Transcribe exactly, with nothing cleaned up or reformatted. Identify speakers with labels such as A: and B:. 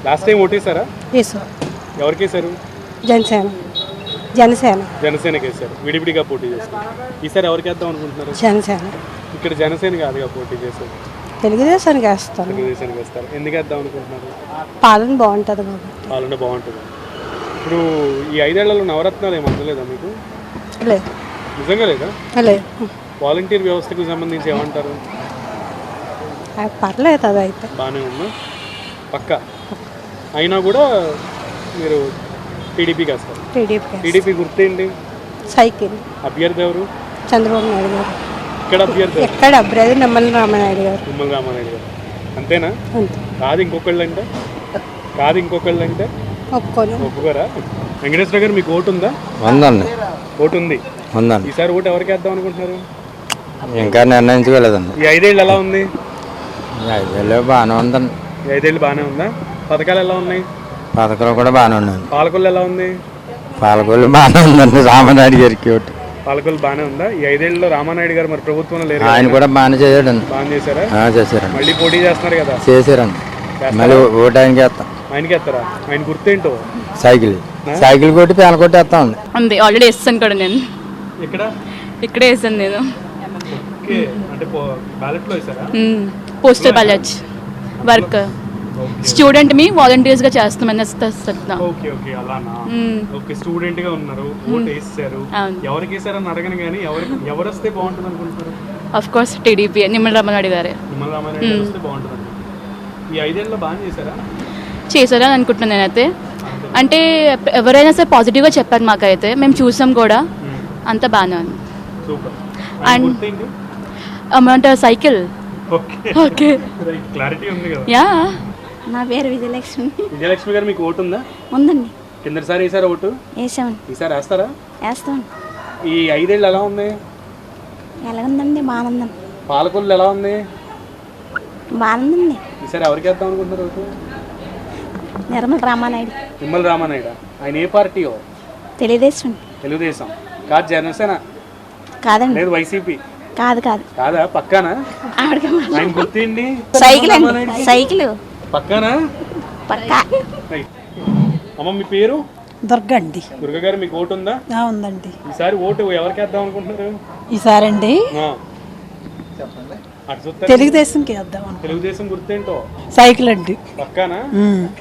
A: Last time ఓటేసారా?
B: వేసాం.
A: ఎవరికి వేసారు?
B: జనసేన. జనసేన
A: జనసేనకి వేసారు. విడివిడిగా పోటీ చేస్తారు. ఈసారి ఎవరికి వేద్దాం అనుకుంటున్నారు?
B: జనసేన.
A: ఇక్కడ జనసేన కాదుగా పోటీ చేసేది,
B: తెలుగుదేశానికి వేస్తాను.
A: తెలుగుదేశానికి వేస్తారు. ఎందుకు వేద్దాం అనుకుంటున్నారు?
B: పాలన బాగుంటుంది బాబు.
A: పాలన బాగుంటుంది. ఇప్పుడు ఈ ఐదేళ్లలో నవరత్నాలు ఏమి అందలేదా మీకు?
B: లేదు.
A: నిజంగా లేదా?
B: లేదు.
A: వాలంటీర్ వ్యవస్థకు సంబంధించి ఏమంటారు?
B: పర్లేదు, అది అయితే
A: బాగానే ఉన్నా పక్క అయినా కూడా మీరు టీడీపీకి వేస్తారు.
B: టీడీపీ.
A: టీడీపీ గుర్తేంటి?
B: సైకిల్.
A: అభ్యర్థి ఎవరు?
B: చంద్రబాబు నాయుడు గారు.
A: ఇక్కడ అభ్యర్థి
B: ఎక్కడ అభ్యర్థి? నిమ్మల రామనాయుడు గారు.
A: నిమ్మల రామానాయుడు గారు. అంతేనా?
B: అంతే.
A: కాదు ఇంకొకళ్ళు అంటే కాదు ఇంకొకళ్ళు అంటే
B: ఒప్పుకోను.
A: ఒప్పుకోరా? వెంకటేశ్వర గారు మీకు ఓటు ఉందా?
C: ఉందండి.
A: ఓటు ఉంది.
C: ఉందండి.
A: ఈసారి ఓటు ఎవరికి వేద్దాం అనుకుంటున్నారు?
C: ఇంకా నిర్ణయించుకోలేదండి.
A: ఈ ఐదేళ్ళు ఎలా ఉంది?
C: ఐదేళ్ళు బాగానే ఉందండి.
A: ఈ ఐదేళ్ళు బాగానే ఉందా? పథకాలు ఎలా ఉన్నాయి?
C: పథకాలు కూడా బాగానే ఉన్నాయి.
A: పాలకొల్లు ఎలా ఉంది?
C: పాలకొల్లు బాగానే ఉందండి. రామనాయుడు గారికి ఓటు.
A: పాలకొల్లు బాగానే ఉందా? ఈ ఐదేళ్లలో రామానాయుడు గారు మరి ప్రభుత్వంలో లేరు.
C: ఆయన కూడా బాగానే చేశాడండి.
A: బాగా చేశారా?
C: చేశారండి.
A: మళ్ళీ పోటీ చేస్తున్నారు కదా?
C: చేశారండి. మళ్ళీ ఓటు ఆయనకి వేస్తాం.
A: ఆయనకి వేస్తారా? ఆయన గుర్తేంటో?
C: సైకిల్. సైకిల్ కొట్టి పేన కొట్టి వేస్తా ఉంది.
D: ఉంది. ఆల్రెడీ వేస్తాను కూడా నేను.
A: ఇక్కడ
D: ఇక్కడే వేసాను నేను.
A: ఓకే. అంటే బ్యాలెట్లో వేసారా?
D: Postal ballot work. స్టూడెంట్ మీ వాలంటీర్స్ గా చేస్తామని వస్తున్నా.
A: ఓకే ఓకే అలానా? ఓకే. స్టూడెంట్ గా ఉన్నారు, ఓటు వేసారు. ఎవరికి వేసారని అడగను కానీ ఎవరికి ఎవరు వస్తే బాగుంటుంది అనుకుంటున్నారు?
D: Of course TDP, Nimmala Ramanaidu గారే.
A: నిమ్మల రామానాయుడు గారు వస్తే బాగుంటుంది. ఈ ఐదేళ్ళలో బాగా చేశారా?
D: చేశారని అనుకుంటున్నాను నేనైతే. అంటే ఎవరైనా సరే పాజిటివ్గా చెప్పారు మాకైతే, మేము చూసాం కూడా. అంత బాగానే ఉంది.
A: Super.
D: And amount cycle. Okay.
A: Clarity ఉంది కదా?
D: యా.
E: నా పేరు విజయలక్ష్మి.
A: విజయలక్ష్మి గారు మీకు ఓటు ఉందా?
E: ఉందండి.
A: కిందసారి వేసారా ఓటు?
E: వేసామండి.
A: ఈసారి వేస్తారా?
E: వేస్తామండి.
A: ఈ ఐదేళ్ళు ఎలా ఉంది?
E: ఎలా ఉందండి? బాగుందండి.
A: పాలకొల్లు ఎలా ఉంది?
E: బాగుందండి.
A: ఈసారి ఎవరికి వేద్దాం అనుకుంటున్నారు ఓటు?
E: నిర్మల రామానాయుడు.
A: నిమ్మల రామానాయుడు. ఆయన ఏ పార్టీయో?
E: తెలుగుదేశం.
A: తెలుగుదేశం కాదు, జనసేన
E: కాదండి.
A: లేదు, వైసీపీ.
E: కాదు కాదు.
A: కాదా? పక్కానా? ఆయన గుర్తిండి.
E: సైకిల్ అండి. సైకిల్
A: పక్కానా?
E: పక్కా.
A: అమ్మ మీ పేరు?
B: దుర్గ అండి.
A: దుర్గ గారు మీకు ఓటు ఉందా?
B: ఉందండి.
A: ఈసారి ఓటు ఎవరికి వేద్దాం అనుకుంటున్నారు?
B: ఈసారి అండి
A: అటు చూస్తే
B: తెలుగుదేశంకి వేద్దాం.
A: తెలుగుదేశం గుర్తేంటో?
B: సైకిల్ అండి.
A: పక్కానా?